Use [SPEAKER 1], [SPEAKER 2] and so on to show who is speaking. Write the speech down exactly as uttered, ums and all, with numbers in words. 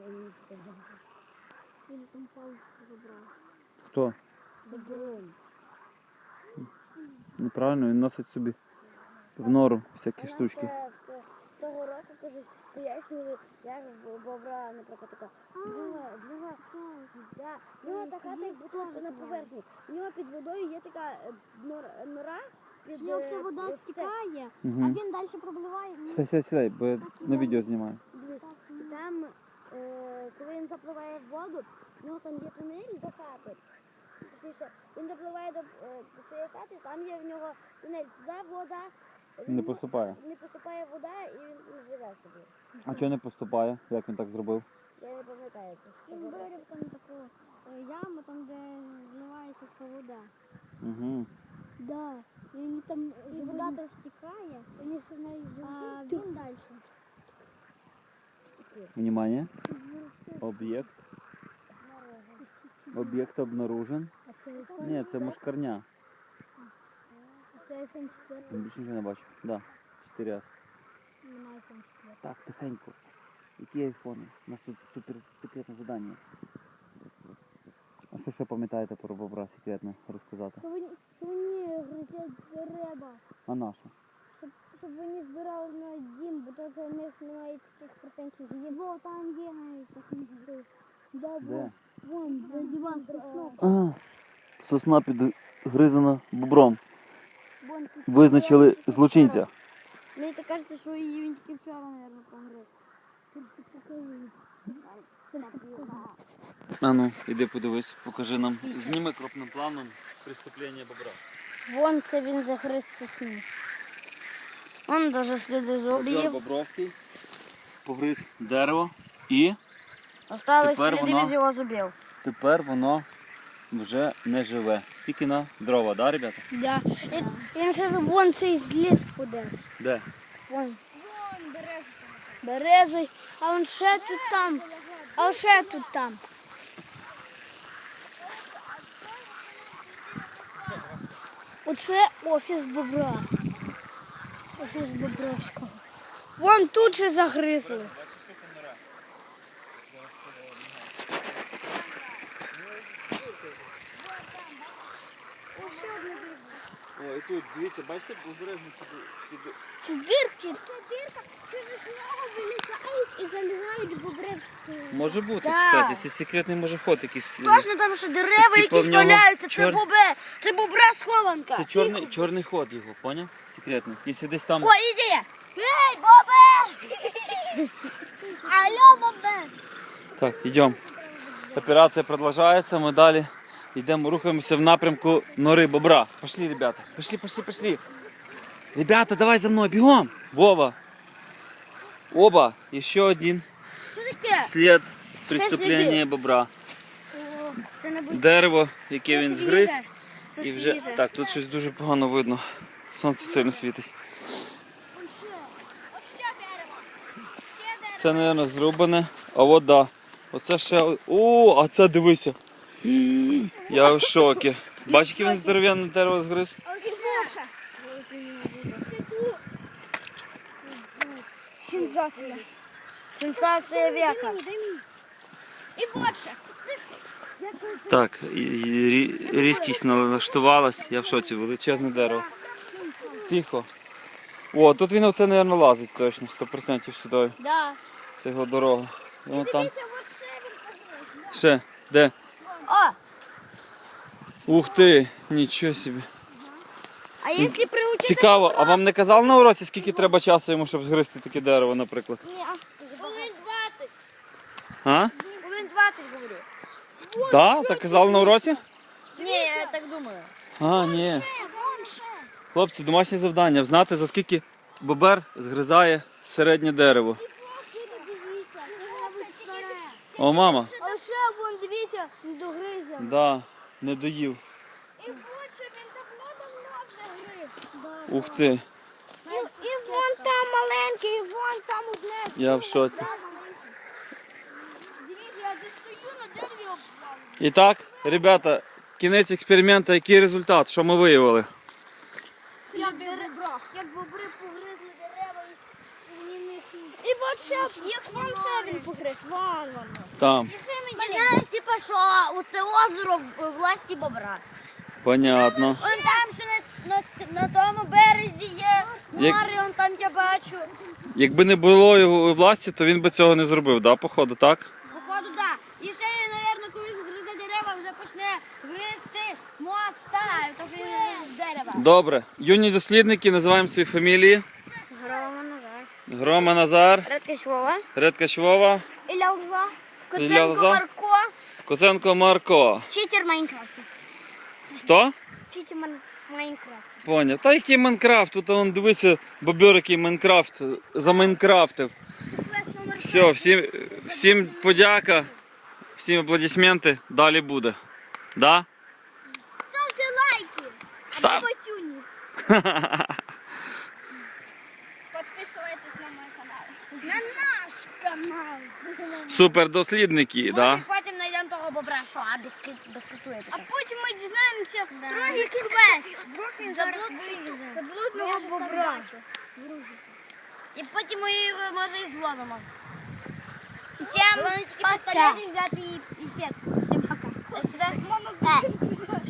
[SPEAKER 1] Він там палку забрав.
[SPEAKER 2] Хто?
[SPEAKER 1] Бобром.
[SPEAKER 2] Неправильно, він носить собі в нору всякі штучки.
[SPEAKER 1] Того року, кажуть, пояснювали, як бобра, наприклад, така. Друга, друга, да. В нього така, як будто на поверхні. У нього під водою є така нора.
[SPEAKER 3] З нього вся вода стікає,
[SPEAKER 2] Угу.
[SPEAKER 3] а він далі пропливає.
[SPEAKER 2] Сідай, сідай, сідай, бо я на відео знімаю.
[SPEAKER 1] Дивись, і там, е, коли він запливає в воду, в нього там є тунель до хати. Точніше, він допливає до, е, до своєї хати, там є в нього тунель, туди вода.
[SPEAKER 2] Не поступає.
[SPEAKER 1] Не поступає вода і він не живе собі.
[SPEAKER 2] А чого не поступає? Як він так зробив?
[SPEAKER 1] Я не пам'ятаю, це що
[SPEAKER 3] Він
[SPEAKER 1] було.
[SPEAKER 3] вирив там таку е, яму, там де зливається вся вода.
[SPEAKER 2] Угу.
[SPEAKER 3] Да. І вони там і вода там стікає, вони ж в неї а він далі.
[SPEAKER 2] Внимание. Об'єкт. Об'єкт обнаружен. Ні, це мушкарня.
[SPEAKER 3] Це айфон чотири.
[SPEAKER 2] Більше нічого не бачу. Да. Чотири раз.
[SPEAKER 3] Немає айфон чотири.
[SPEAKER 2] Так, тихенько. Які айфони? У нас тут супер секретне завдання. А що ще пам'ятаєте про бобра секретне розказати?
[SPEAKER 3] Що вони, що вони гризять дерева,
[SPEAKER 2] А на що?
[SPEAKER 3] щоб, щоб вони збирали на дім, бо то у них немає таких процентів їм. Бо там є навіть такий гриз. Да,
[SPEAKER 2] Де?
[SPEAKER 3] вон, за диван приснув.
[SPEAKER 2] А, сосна підгризана бобром. Визначили злочинця.
[SPEAKER 3] Мені так кажеться, що її він тільки вчора, мабуть, погриз.
[SPEAKER 2] А ну, іди подивись, покажи нам. Зніми крупним планом преступлення бобра.
[SPEAKER 3] Вон це він загриз сосну. Вон даже сліди
[SPEAKER 2] Бобер
[SPEAKER 3] зубів.
[SPEAKER 2] Бобровський погриз дерево і
[SPEAKER 3] Остались
[SPEAKER 2] Тепер
[SPEAKER 3] сліди
[SPEAKER 2] воно-
[SPEAKER 3] від його зубів.
[SPEAKER 2] тепер воно вже не живе. Тільки на дрова, да, ребята?
[SPEAKER 3] Да. І, він ще вон цей зліз ходив.
[SPEAKER 2] Де?
[SPEAKER 3] Вон. Вон березий. А он ще тут там. А ще тут там. Оце офіс бобра. Офіс Бобровського. Вон тут же загризли.
[SPEAKER 2] О, і тут, дивіться, бачите, обережно під...
[SPEAKER 3] Це дирки. Це дирка, через нього вилізають і залізають бобри в
[SPEAKER 2] Може бути,
[SPEAKER 3] Да.
[SPEAKER 2] кстати, це секретний може ход якийсь.
[SPEAKER 3] Точно там що дерева
[SPEAKER 2] Типу,
[SPEAKER 3] якісь
[SPEAKER 2] в нього
[SPEAKER 3] валяються, це
[SPEAKER 2] чор-
[SPEAKER 3] бобе, це бобра схованка.
[SPEAKER 2] Це чорний, чорний ход його, поняв? Секретний. Якщо десь там...
[SPEAKER 3] О, іди! Ей, бобе! Алло, бобе!
[SPEAKER 2] Так, йдемо. Операція продовжується, ми далі йдемо, рухаємося в напрямку нори бобра. Пошли, ребята. Пошли, пошли, пошли. Ребята, давай за мною, бігом. Вова. Оба. Ще один
[SPEAKER 3] Що таке?
[SPEAKER 2] слід преступлення бобра.
[SPEAKER 3] Це не буде.
[SPEAKER 2] Дерево, яке він згриз.
[SPEAKER 3] Це
[SPEAKER 2] І вже...
[SPEAKER 3] свіже.
[SPEAKER 2] Так, тут щось дуже погано видно. Сонце сильно світить.
[SPEAKER 3] Ось ще дерево. Ще дерево.
[SPEAKER 2] Це, мабуть, зрубане. А от да. Оце ще... О, а це дивися. Я в шокі. Бачиш, яке він здоров'яне дерево згриз?
[SPEAKER 3] А ось ще. Це тут. Сенсація. Сенсація века. І більше.
[SPEAKER 2] Так, і- і рі- різкість налаштувалась. Я в шоці, величезне дерево. Тихо. О, тут він оце, мабуть, лазить точно, сто відсотків сюди.
[SPEAKER 3] Да.
[SPEAKER 2] Це його дорога. І вон там.
[SPEAKER 3] Дивіться, оце він погриз.
[SPEAKER 2] Ще, де?
[SPEAKER 3] О,
[SPEAKER 2] Ух ти, нічого собі.
[SPEAKER 3] а якщо приучити...
[SPEAKER 2] Цікаво, а вам не казали на уроці, скільки треба часу йому, щоб згризти таке дерево, наприклад?
[SPEAKER 3] Ні, хвилин двадцять.
[SPEAKER 2] А?
[SPEAKER 3] Хвилин двадцять, говорю.
[SPEAKER 2] Так? Так казали на уроці?
[SPEAKER 3] Ні, я так думаю.
[SPEAKER 2] А, ні. Хлопці, домашнє завдання. Знати, за скільки бобер згризає середнє дерево.
[SPEAKER 3] Дивіться, це мабуть старе.
[SPEAKER 2] О, мама.
[SPEAKER 3] А ще вон, дивіться, догризя.
[SPEAKER 2] Да, не доїв.
[SPEAKER 3] І хоче він давно-давно вже гриз.
[SPEAKER 2] Ух ти,
[SPEAKER 3] І, і вон там маленький, і вон там одне.
[SPEAKER 2] я в шоці.
[SPEAKER 3] Дивіться, я тут стою на дереві обвалю.
[SPEAKER 2] І так, ребята, кінець експерименту, який результат, що ми виявили?
[SPEAKER 3] Як бобри, як бобри погризли дерева і вони не... І от ще, як вон ще він погриз, вон воно.
[SPEAKER 2] Там.
[SPEAKER 1] Знаєш, типу, що це озеро в власті бобра.
[SPEAKER 2] Понятно.
[SPEAKER 1] Он там ще на, на, на тому березі є
[SPEAKER 2] Як-
[SPEAKER 1] море, он там я бачу.
[SPEAKER 2] Якби не було його у власті, то він би цього не зробив, да, походу, так?
[SPEAKER 1] Походу, так. І ще, мабуть, коли згризе дерева, вже почне гризти моста, тому що він з дерева.
[SPEAKER 2] Добре. Юні дослідники, називаємо свої фамілії.
[SPEAKER 1] Грома назад.
[SPEAKER 2] Грома Назар,
[SPEAKER 1] Редкість Вова.
[SPEAKER 2] Редкач Вова,
[SPEAKER 1] Ілля Лза.
[SPEAKER 2] Ілля Лза.
[SPEAKER 1] Марко.
[SPEAKER 2] Коценко Марко.
[SPEAKER 1] Читер Майнкрафт.
[SPEAKER 2] Хто?
[SPEAKER 1] Читер Майнкрафт.
[SPEAKER 2] Поняв. Та який Майнкрафт? Тут он дивися, бобер, який Майнкрафт замайнкрафтив. Все, всім, всім подяка, всім аплодисменти. Далі буде. Да?
[SPEAKER 1] Ставте лайки.
[SPEAKER 2] Став.
[SPEAKER 1] Батюні. Підписуйтесь на мій канал. На наш канал.
[SPEAKER 2] Супер дослідники, да?
[SPEAKER 1] Може, потім знайдемо того бобра, що, а без, кит- без китує.
[SPEAKER 3] А потім ми дізнаємося
[SPEAKER 1] Трохи
[SPEAKER 3] трохи квест.
[SPEAKER 1] Вдруг він зараз вилізе.
[SPEAKER 3] Заблудного бобра.
[SPEAKER 1] І потім ми його, може, і зловимо.
[SPEAKER 3] Всім
[SPEAKER 1] Головне тільки
[SPEAKER 3] пока.
[SPEAKER 1] пістолет взяти і, і сітку. Всім пока. До свидання.